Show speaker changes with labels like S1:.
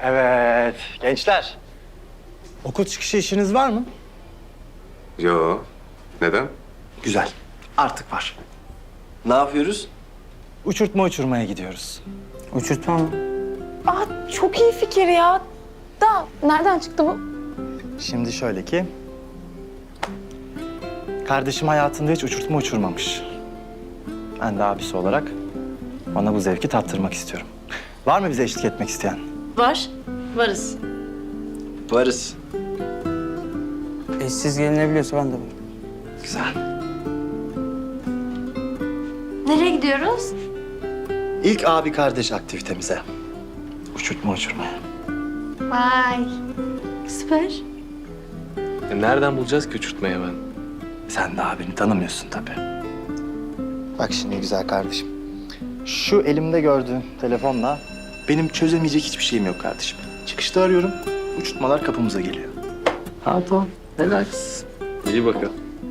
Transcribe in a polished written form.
S1: Evet, gençler. Okul çıkışı işiniz var mı?
S2: Yo. Neden?
S1: Güzel, artık var.
S2: Ne yapıyoruz?
S1: Uçurtma uçurmaya gidiyoruz.
S3: Uçurtma mı?
S4: Aa, çok iyi fikir ya. Da nereden çıktı bu?
S1: Şimdi şöyle ki... Kardeşim hayatında hiç uçurtma uçurmamış. Ben de abisi olarak ona bu zevki tattırmak istiyorum. Var mı bize eşlik etmek isteyen?
S5: Var, varız.
S2: Varız.
S3: Siz gelinebiliyorsa ben de varım.
S1: Güzel.
S5: Nereye gidiyoruz?
S1: İlk abi kardeş aktivitemize. Uçurtma uçurmaya.
S5: Vay. Süper.
S2: Nereden bulacağız ki uçurtmayı ben?
S1: Sen de abini tanımıyorsun tabii. Bak şimdi güzel kardeşim. Şu elimde gördüğün telefonla benim çözemeyecek hiçbir şeyim yok kardeşim. Çıkışta arıyorum, uçurtmalar kapımıza geliyor.
S2: Tamam. Relax. İyi bakalım.